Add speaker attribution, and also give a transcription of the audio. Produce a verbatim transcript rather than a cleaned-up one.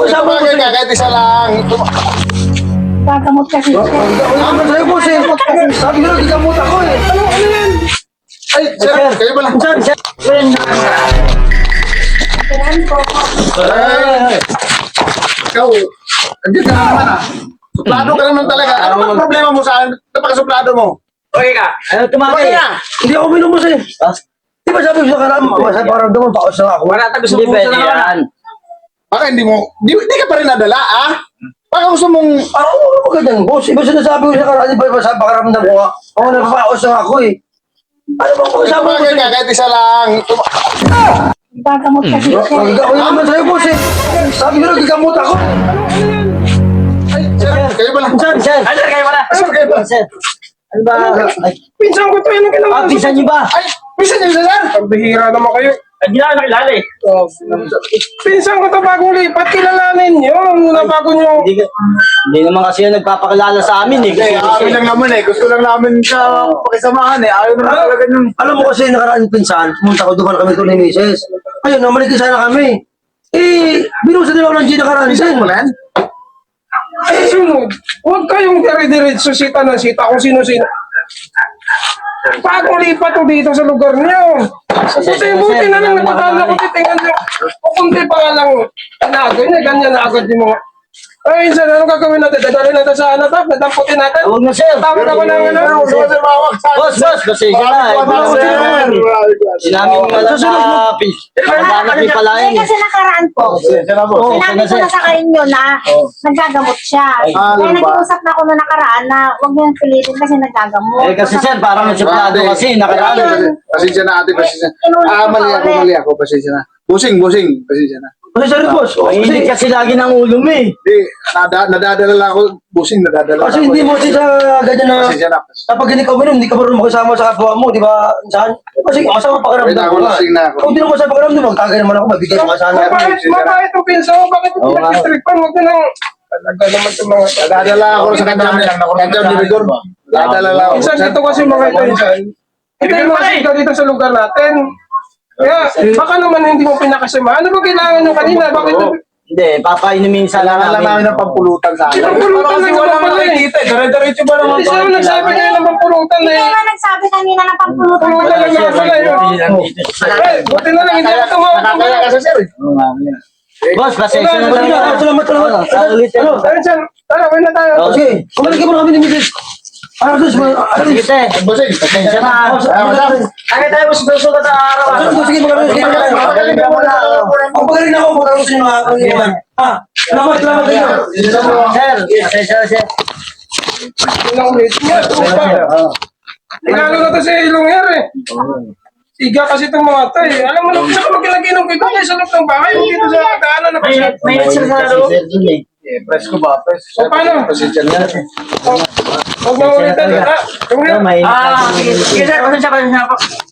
Speaker 1: Ito ba kayo kahit isa lang?
Speaker 2: Gagamot kasi siya.
Speaker 3: Ano ba sa'yo, boss eh? Sabi ko lang, gagamot ako eh.
Speaker 1: Ano, ano yan? Ay, sir, kayo pala.
Speaker 3: Sir, sir.
Speaker 2: Kailan po.
Speaker 1: Ay, ikaw, andyan ka na naman ah. Suplado ka naman talaga. Ano bang problema mo sa akin? Napaka-suplado mo.
Speaker 4: Okay ka. Ano tumaki?
Speaker 1: Okay na.
Speaker 3: Hindi ako minum, boss eh. Di ba sabi ko sa karam, sa paramdaman, paos na ako.
Speaker 4: Wala tayo gusto
Speaker 3: Hindi
Speaker 4: mo
Speaker 3: pwede
Speaker 4: sa
Speaker 3: yan.
Speaker 4: naman.
Speaker 1: Baka hindi mo, di, di ka pa rin nadala ah. Baka gusto mong,
Speaker 3: Ako, ano ba ganyan, boss? Iba sinasabi ko sa karam, di ba sa pakaramdam ko nga? Ako napapaos na ako eh. Ano ba kung
Speaker 1: ito
Speaker 3: sabi
Speaker 1: ba
Speaker 3: ko
Speaker 1: kayo
Speaker 3: sa'yo?
Speaker 1: kahit isa lang?
Speaker 2: Gagamot kasi siya.
Speaker 3: Ako naman sa'yo, boss eh. Sabi ko lang, gagamot ako.
Speaker 1: Ay, sir, kayo pala.
Speaker 3: Sir, sir.
Speaker 4: Ano kayo wala?
Speaker 1: Sir, kayo pala.
Speaker 3: Sir. Ano ba? Ay,
Speaker 5: Pinsan ko to, yun ang ginawa.
Speaker 3: ah, pisan niyo ba?
Speaker 1: Ay, bisa niyo sir.
Speaker 5: Ang bihira naman kayo.
Speaker 4: Hindi na nakilala eh.
Speaker 5: Pinsan ko to bagong lipat, kilalanin nyo. Muna bago nyo.
Speaker 3: Hindi, ka- hindi naman kasi yan nagpapakilala sa amin eh.
Speaker 1: Kasi
Speaker 3: Kasi,
Speaker 1: amin lang naman eh. Gusto lang namin siya pakisamahan eh. Ayaw naman talaga yung...
Speaker 3: alam mo kasi nakaraan pinsan, pumunta ko doon kami to ni Mises. Ayun, namaliki sana kami. Eh, binusa nila ako ng G nakaraan din.
Speaker 1: Mulan?
Speaker 5: Ay, sunod. Huwag kayong dire-diretso sita ng sita kung sino-sino. Bagong lipat ko dito sa lugar nyo. Buti-buti na lang natatala ko titingan nyo. Kukunti pa nga lang. Nagay na, ganyan na agad yung mga... Ay, sir, anong gagawin natin? Dadalhin natin sa ano to? Nadamputin natin?
Speaker 3: Huwag na sir.
Speaker 5: Tawag ako ng ano?
Speaker 1: Sir, sir, mawag sa...
Speaker 3: Boss, boss, pasensya na.
Speaker 1: Mawag
Speaker 3: Boss,
Speaker 1: sir.
Speaker 3: Hindi namin alam na pis. Parang
Speaker 2: Hindi
Speaker 3: palayan.
Speaker 2: kasi nakaraan po.
Speaker 1: Sir, na po.
Speaker 3: Oo.
Speaker 2: Sinabi ko na sa inyo na nagagamot siya.
Speaker 1: Ah,
Speaker 2: Kaya
Speaker 1: ano ba?
Speaker 2: nag-uusap na ako na nakaraan na huwag niyang pilitin kasi nagagamot.
Speaker 3: Eh kasi sir, parang nagsuplado kasi nakaraan.
Speaker 1: Pasensya na ate, pasensya. Ah, mali ako, mali ako, pasensya na. Busing, busing, pasensya na.
Speaker 3: Kasi sorry boss.
Speaker 6: Mahilig
Speaker 3: Kasi,
Speaker 6: kasi lagi ng ulo mo eh.
Speaker 1: Hindi, nada, nadadala lang ako, busing, nadadala
Speaker 3: kasi
Speaker 1: ako.
Speaker 3: hindi mo kasi sa ganyan na
Speaker 1: Pasensya na.
Speaker 3: kapag hindi ka uminom, hindi ka marunong makisama sa kapwa mo, di ba? Saan? Kasi masama
Speaker 1: Wait,
Speaker 3: pakiramdam
Speaker 1: ako
Speaker 3: ko nga.
Speaker 1: lasing na ako.
Speaker 3: Kung di mo masama pakiramdam, magkagay naman ako, mabigay mo ka sana.
Speaker 5: Mabait, mabait ang pinsan mo. Bakit
Speaker 6: Oo
Speaker 5: hindi
Speaker 6: nga.
Speaker 5: nagtitripan? Huwag na lang. Talaga naman itong mga...
Speaker 1: Nadadala ako sa kanya, kanya ni Rigor. Nadadala lang ako.
Speaker 5: Minsan dito kasi mga ito, minsan. Ito yung mga sigaw dito sa lugar natin. Kaya, baka naman hindi mo pinakasama. Ano ba kailangan nyo kanina? Bakit?
Speaker 6: Hindi, papainumin sana
Speaker 1: Kailangan lang namin
Speaker 6: namin.
Speaker 1: ng pampulutan sa akin.
Speaker 5: Pampulutan na naman pala eh.
Speaker 1: Dire-diretso ba naman?
Speaker 5: Hindi siya nagsabi kayo ng pampulutan na
Speaker 2: Hindi
Speaker 5: eh.
Speaker 2: nga nagsabi kanina na pampulutan.
Speaker 5: Pulutan na nga pala yun. Eh, buti na lang, hindi ako tumawag.
Speaker 1: Nakakaya ka sa sir eh.
Speaker 6: Boss, pasensya na lang.
Speaker 3: Salamat, salamat, salamat.
Speaker 6: Sa ulit.
Speaker 3: Ano?
Speaker 5: Ayun siya, tara, uwi na tayo.
Speaker 6: Oh,
Speaker 3: Sige, kumalagay mo na kami ni Misis. Ano, Sus? Ano,
Speaker 6: Sige, te.
Speaker 1: Busing,
Speaker 6: Pasensya na.
Speaker 4: Kaya tayo mas gusto ka sa araw.
Speaker 3: Ano, sige, magaling. Sige, magaling.
Speaker 1: Magaling ka muna.
Speaker 3: Ang pagaling ako, magaling sa mga pangyaman. Ah, salamat, salamat kayo.
Speaker 6: Sir, pasensya na sir.
Speaker 5: Ilang ulit niya, tuta. Tingalo na to sa ilong yan eh. Siga kasi itong mga to eh. Alam mo na, saan ka magkilagay ng kiko kayo sa loob ng bahay, hindi dito sa daanan na
Speaker 4: May,
Speaker 5: pasya.
Speaker 4: may sir sa loob.
Speaker 6: Sir, dun eh.
Speaker 1: Eh, press ko ba? Press.
Speaker 5: O paano?
Speaker 1: Pasensya na.
Speaker 5: Huwag mo ulitan. Ah,
Speaker 6: Ito, may
Speaker 4: Ah, sige, sige sir, pasensya, pasensya po.